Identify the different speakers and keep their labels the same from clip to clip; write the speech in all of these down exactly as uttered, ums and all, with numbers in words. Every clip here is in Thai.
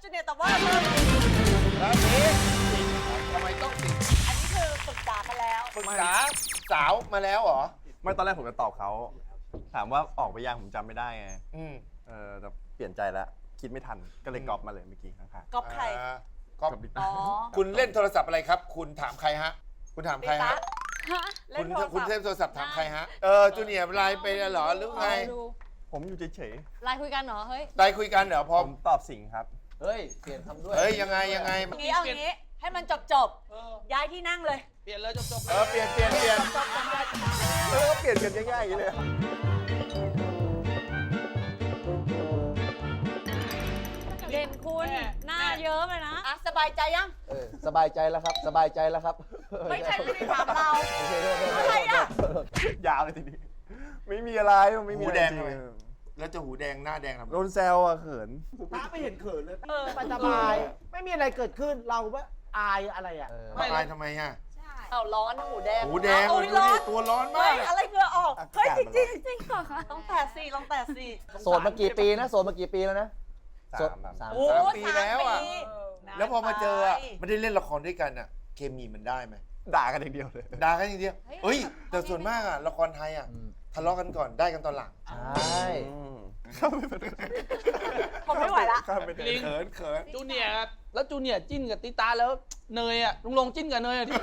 Speaker 1: จูเนียร์ตอบว่าราศี
Speaker 2: ราศีสิงห์ทำไมต้องสิงห์
Speaker 1: อันนี้คือปรึกษากันแล้ว
Speaker 2: ปรึกษาสาวมาแล้วเหรอ
Speaker 3: ไม่ตอนแรกผมจะตอบเขาถามว่าออกไปยังผมจำไม่ได้ไง
Speaker 2: อืม
Speaker 3: เออแต่เปลี่ยนใจแล้วคิดไม่ทันก็เลยกรอบมาเลยเมื่อกี้ข้าง
Speaker 1: ก๊อปใคร
Speaker 2: อ่าก๊อฟ
Speaker 3: กับบิ๊ก
Speaker 1: อ๋อ
Speaker 2: คุณเล่นโทรศัพท์อะไรครับ คุณถามใครฮะ คุณถาม
Speaker 1: ปี
Speaker 2: ใคร
Speaker 1: ตา
Speaker 2: ฮะ
Speaker 4: ฮะ
Speaker 1: เล่
Speaker 2: คุ
Speaker 1: น
Speaker 2: ณ
Speaker 1: โทรศัพท์
Speaker 2: คุณเล่นโทรศัพท์ถามใครฮะ เออจูเนียร์ไลน์ไปเหรอหรือไง
Speaker 4: ดู
Speaker 3: ๆผมอยู่เฉย
Speaker 4: ไลน์คุยกันเหรอ เฮ้ย
Speaker 2: ได้คุยกันเหรอพ
Speaker 3: ๆ
Speaker 2: อ
Speaker 3: ผมตอบสิงห์ครับ
Speaker 5: เฮ้ย เปลี่ยนคำด้วย
Speaker 2: เฮ้ยยังไงยังไง
Speaker 1: เอางี้เอางี้ให้มันจบจบๆย้ายที่นั่งเลย
Speaker 5: เปลี่ยนเลยจบๆ
Speaker 2: เออเปลี่ยนเปลี่ยนเปลี่ยน
Speaker 3: แล้วก็เปลี่ยนกันง่ายๆอย่างนี้เลย
Speaker 4: เด่นคุณหน้าเยิ้มเลยนะ
Speaker 1: อ่ะสบายใจยัง
Speaker 5: เออสบายใจแล้วครับ สบายใจแล้วครับ
Speaker 1: ไม่ใช่ไม่ได้ถามเรา
Speaker 5: โอเคโทษโทษโทษ
Speaker 1: อะไรอ่ะ
Speaker 3: ยาวเลยทีนี้ไม่มีอะไรมันไม่มี
Speaker 2: หู
Speaker 3: อะไร
Speaker 2: แดง
Speaker 3: จริ
Speaker 2: ทำไม
Speaker 3: ง
Speaker 2: แล้วจะหูแดงหน้าแดงทำไม
Speaker 3: โดนแซวอะเขิน
Speaker 6: ป้าไม่เห็นเขินเลย
Speaker 1: เออ
Speaker 6: สบายๆไม่มีอะไรเกิดขึ้นเราว่าอายอะไรอ่ะ
Speaker 5: เออ
Speaker 2: ไม่อายทำไมฮะ
Speaker 1: เอาร้อนหูแดง
Speaker 2: หูแดง
Speaker 1: เอา
Speaker 2: ดู
Speaker 1: ร้อ
Speaker 2: ดิ
Speaker 1: น
Speaker 2: ตัวร้อนมา
Speaker 1: เฮ้ย
Speaker 2: ก
Speaker 1: อะไรเหงื่อออก เฮ้ยจริงจริง
Speaker 4: จริงเหรอคะ
Speaker 1: ๆต้องแตะสี่ลองแตะสี่
Speaker 5: โสดมากี่ปีนะ โสดมากี่ปีแล้วนะ
Speaker 3: สาม
Speaker 5: โสด
Speaker 3: ครับ
Speaker 5: สาม
Speaker 1: โอ้
Speaker 2: สามปีแล้วอะ
Speaker 1: สามปี
Speaker 2: แล้วพอมาเจออะ
Speaker 1: ไป
Speaker 2: ไม่ได้เล่นละครด้วยกันอะเคมีมันได้ไหม
Speaker 3: ด่ากันอย่างเดียวเลย
Speaker 2: ด่ากันอย่างเดียวเฮ้ย แต่ส่วนมากอะละครไทยอะ
Speaker 5: อืม
Speaker 2: ทะเลาะกันก่อนได้กันตอนหลัง
Speaker 5: ใช่
Speaker 3: อืม
Speaker 1: ผมไม่ไหวละ
Speaker 3: ข้ามไปเลย
Speaker 2: เขินเขิน
Speaker 7: จูเนียร์ครับแล้วจูเนียร์จิ้นกับติตาแล้วเนยอ่ะลุงลงจิ้นกับเนยอ่ะที่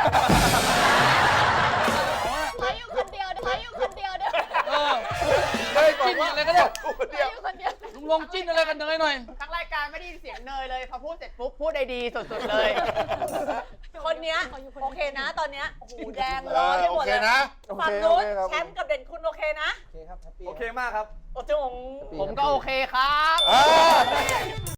Speaker 4: ขออยู่คนเดียวขออยู่คนเดียวเด้อ
Speaker 7: เออ
Speaker 2: เฮ้ยบอก
Speaker 7: จิ้น
Speaker 2: ว่า
Speaker 7: อะไรก็ได้
Speaker 2: พูด
Speaker 4: ขอ
Speaker 2: เดียว
Speaker 4: อยู่คนเดียว
Speaker 7: ลุงลงจิ้นอะไรกันเนยหน่อย
Speaker 8: ทั้งรายการไม่ได้ยินเสียงเนยเลย พอพูดเสร็จปุ๊บ พูดได้ดีสุดๆเลย
Speaker 1: คนเนี้ยโอเคนะ ตอนเนี้ยหูแดง
Speaker 2: เอ
Speaker 1: ร้อน
Speaker 2: อ
Speaker 1: ไป
Speaker 2: โอ
Speaker 1: หมด
Speaker 2: เค
Speaker 1: เลย
Speaker 2: นะ
Speaker 1: ฝั่งนู้นแชมป์กับเด่นคุณโอเคนะ
Speaker 5: โอเคครับแฮปปี้
Speaker 6: โอเคมากครับ
Speaker 1: โอ้จง
Speaker 8: ผมก็โอเคครับ
Speaker 2: เออ